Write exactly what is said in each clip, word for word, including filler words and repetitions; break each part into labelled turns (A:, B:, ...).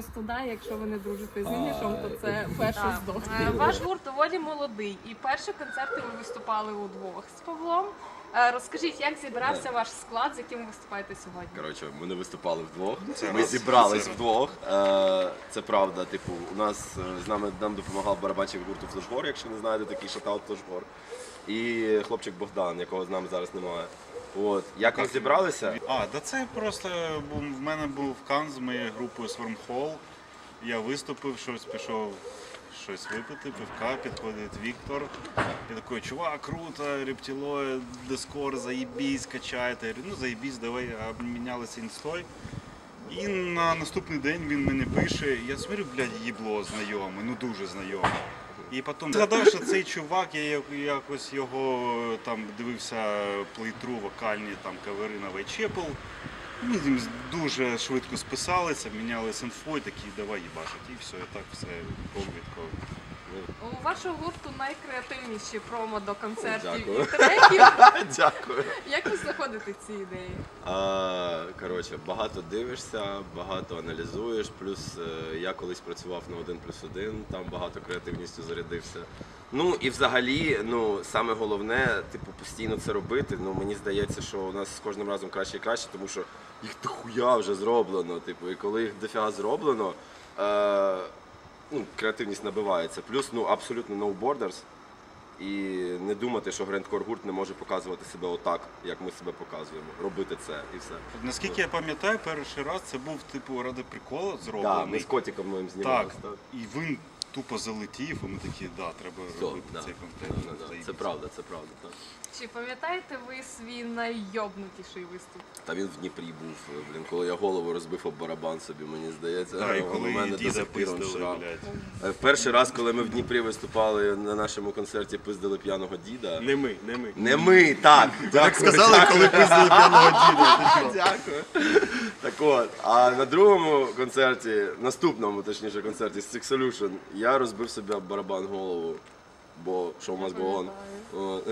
A: просто да, якщо ви не дружите з іміджем, то це перший здох.
B: Е, Ваш гурт доволі молодий, і перші концерти ви виступали удвох з Павлом. Е, Розкажіть, як зібрався ваш склад, з яким ви виступаєте сьогодні?
C: Коротше, ми не виступали вдвох.
D: Це
C: Ми
D: раз.
C: зібрались
D: Це
C: вдвох. Е, Це правда. Типу, у нас е, з нами нам допомагав барабанщик гурту Флешгор, якщо не знаєте, такий шатаут Флешгор. І хлопчик Богдан, якого з нами зараз немає. От. Як ми зібралися?
D: А, да це просто був, в мене був кан з моєю групою Swarmhole. Я виступив, щось пішов щось випити, пивка, підходить Віктор. Я такий, чувак, круто, рептилоїд, дискор, заєбісь, качайте. Я говорю, ну заєбісь, давай, обмінялися інстой. І на наступний день він мені пише, я смотрю, блядь, їбло знайоме, ну дуже знайоме. І потім згадав, що цей чувак, я якось його там дивився плейтру вокальні там кавери на Whitechapel. Ми з ним дуже швидко списалися, мінялися інфою, такі давай їбашить. І все, і так все швидко.
B: У вашого гурту найкреативніші промо до концертів
C: Дякую.
B: і треків.
C: Дякую.
B: Як ви знаходите ці ідеї?
C: А, коротше, багато дивишся, багато аналізуєш, плюс е, я колись працював на один плюс один, там багато креативністю зарядився. Ну і взагалі, ну, саме головне, типу, постійно це робити. Ну, мені здається, що у нас з кожним разом краще і краще, тому що їх дохуя вже зроблено. Типу, і коли їх дофіга зроблено, е, ну, креативність набивається. Плюс, ну, абсолютно no borders. І не думати, що грандкор гурт не може показувати себе отак, як ми себе показуємо. Робити це і все.
D: Наскільки я пам'ятаю, перший раз це був типу ради приколу
C: Так,
D: зроблений.
C: ми з котиком моїм
D: Так,
C: знімалися. Так,
D: і він тупо залетів, і ми такі, да, треба
C: Все,
D: робити
C: да,
D: цей
C: да,
D: контент.
C: да, да.
D: Заєбісь.
C: Це правда, це правда. Так.
B: Чи пам'ятаєте ви свій наййобнутіший виступ?
C: Та він в Дніпрі був, блін, коли я голову розбив об барабан собі, мені здається.
D: Да, і
C: у
D: коли
C: мене
D: її
C: до
D: діда
C: сих пір он
D: пиздили,
C: шрам.
D: блядь.
C: Е, Перший раз, коли ми в Дніпрі виступали на нашому концерті, пиздили п'яного діда.
E: Не ми, не ми.
C: Не ми, так.
D: Так сказали, коли пиздили п'яного діда.
C: Дякую. Так от, а на другому концерті, наступному, точніше, концерті Six Solution, я розбив собі об барабан голову, бо show must go on. От.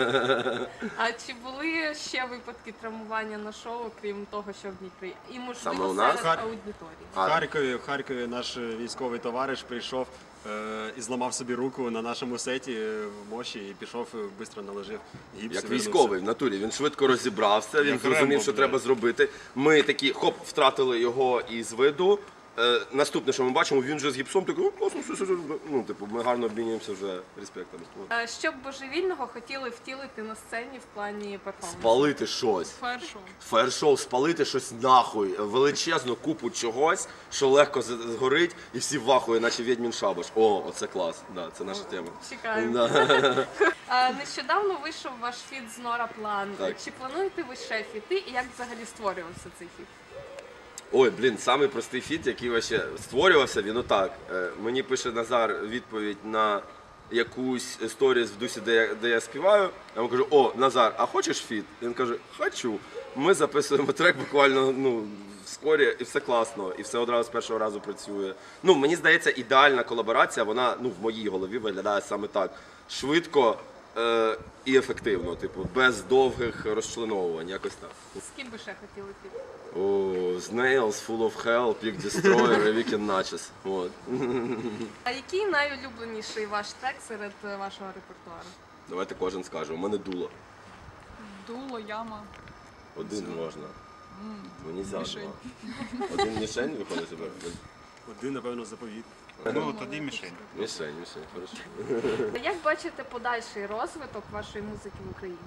B: А чи були ще випадки травмування на шоу, крім того, що в Дніпрі? І
C: Саме
B: можливо
C: у нас?
B: серед аудиторії?
E: В Харкові, в Харкові наш військовий товариш прийшов е, і зламав собі руку на нашому сеті е, в моші і пішов, швидко наложив гіпс.
C: Як
E: вернувся.
C: військовий в натурі, він швидко розібрався, він
D: Як
C: зрозумів,
D: Рембо,
C: що
D: блядь.
C: треба зробити. Ми такі, хоп, втратили його із виду. Е, наступне, що ми бачимо, він вже з гіпсом, такий, «О, класно, все, все, все». Ну, типу, ми гарно обмінюємося вже респектом. От.
B: А що б божевільного хотіли втілити на сцені в плані перформансу?
C: Спалити щось.
B: Першого.
C: Фаєр-шоу, спалити щось нахуй, величезну купу чогось, що легко з- згорить, і всі вахує, наче відьмін шабаш. О, оце клас, да, це наша тема.
B: Чекаємо.
C: Да.
B: А, нещодавно вийшов ваш фіт з Нора План.
C: Так.
B: Чи плануєте ви ще фіти і як взагалі створювався цей фіт?
C: Ой, блін, самий простий фіт, який вообще створювався, він отак. Е, Мені пише Назар відповідь на якусь сторіс в дусі, де я, де я співаю. Я йому кажу, о, Назар, а хочеш фіт? Він каже, хочу. Ми записуємо трек буквально ну, вскорі, і все класно, і все одразу з першого разу працює. Ну, мені здається, ідеальна колаборація, вона ну, в моїй голові виглядає саме так. Швидко е, і ефективно, типу, без довгих розчленовувань, якось так.
B: З ким би ще хотіли фіт?
C: О, Snails, Full of Hell, Peak Destroyer, і Weekend Natchez. От.
B: А який найулюбленіший ваш трек серед е, вашого репертуару?
C: Давайте кожен скаже. У мене дуло.
F: Дуло, яма.
C: Один можна. Мені за
F: мішень.
C: два. Один мішень виходить себе?
E: Один, напевно, заповіт.
D: Ну, тоді мішень.
C: Мішень, мішень, хорошо.
B: А як бачите подальший розвиток вашої музики в Україні?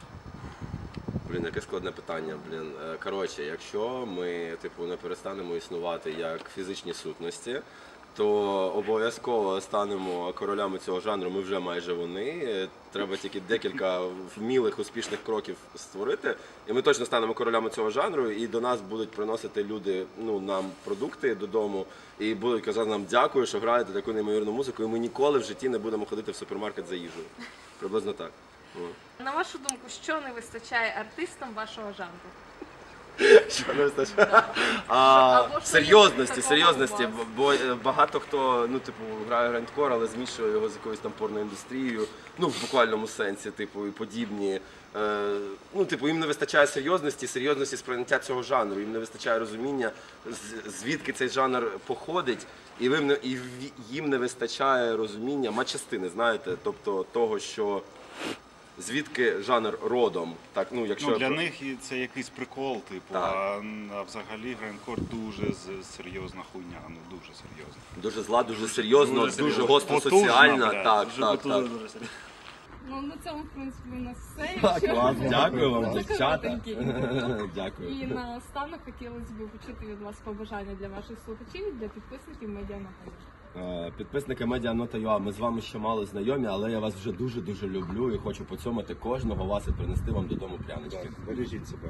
C: Блін, яке складне питання, блін. Е, Коротше, якщо ми типу не перестанемо існувати як фізичні сутності, то обов'язково станемо королями цього жанру, ми вже майже вони. Е, Треба тільки декілька вмілих, успішних кроків створити, і ми точно станемо королями цього жанру, і до нас будуть приносити люди ну, нам продукти додому, і будуть казати нам дякую, що граєте таку неймовірну музику, і ми ніколи в житті не будемо ходити в супермаркет за їжею. Приблизно так. О.
B: На вашу думку, що не вистачає артистам вашого жанру?
C: Що не вистачає? А,
B: Або що
C: серйозності,
B: такого
C: серйозності,
B: у вас?
C: бо бо багато хто, ну, типу, грає грандкор, але змішує його з якоюсь там порноіндустрією, ну, в буквальному сенсі, типу, і подібні. Е, ну, типу, їм не вистачає серйозності, серйозності сприйняття цього жанру, їм не вистачає розуміння, з- звідки цей жанр походить, і, ви, не- і в- їм не вистачає розуміння матчастини, знаєте, тобто того, що звідки жанр родом. Так, ну, якщо
D: Ну,
C: я
D: для
C: про-
D: них і це якийсь прикол, типу,
C: Так.
D: а, а взагалі грандкор дуже з- серйозна хуйня, ну дуже серйозна.
C: Дуже зла, дуже серйозно,
E: Дуже
C: дуже,
E: серйозно.
C: гостро
D: Потужно,
C: соціальна.
D: блядь.
C: Так,
E: Дуже
C: так,
E: потужно,
C: так.
E: дуже серйозно.
A: Ну, на цьому, в принципі, у нас все.
C: Так,
A: Якщо-
C: клас, дякую вам,
A: Дуже
C: дівчата.
A: коротенький.
C: Дякую.
A: І наостанок хотілося б почути від вас побажання для ваших слухачів і для підписників медіанаходів.
C: Е, Підписники Медіанота.ua, ми з вами ще мало знайомі, але я вас вже дуже-дуже люблю і хочу поцьомати кожного вас і принести вам додому прянички.
D: Бережіть себе.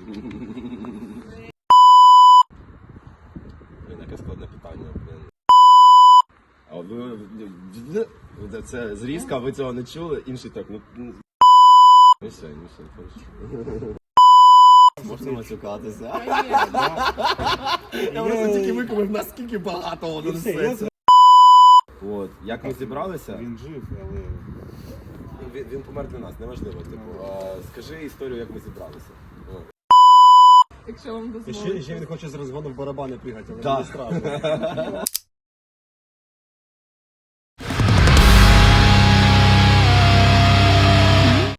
C: Блін, яке складне питання, блін. А ви, ви- це зрізка, ви цього не чули, інший так, ну... ну, Ну все, ну все, хорошо. Можна матюкатися? Я просто тільки викупив, наскільки багато воно несеться. От, як ми зібралися?
D: Він жив, але
C: Він, він помер для нас, неважливо. Типу, а, скажи історію, як ми зібралися. От.
A: Якщо вам
E: І ще,
A: дозволить.
E: ще він хоче з розгону в барабани пригати, але
C: Так.
E: не страшно.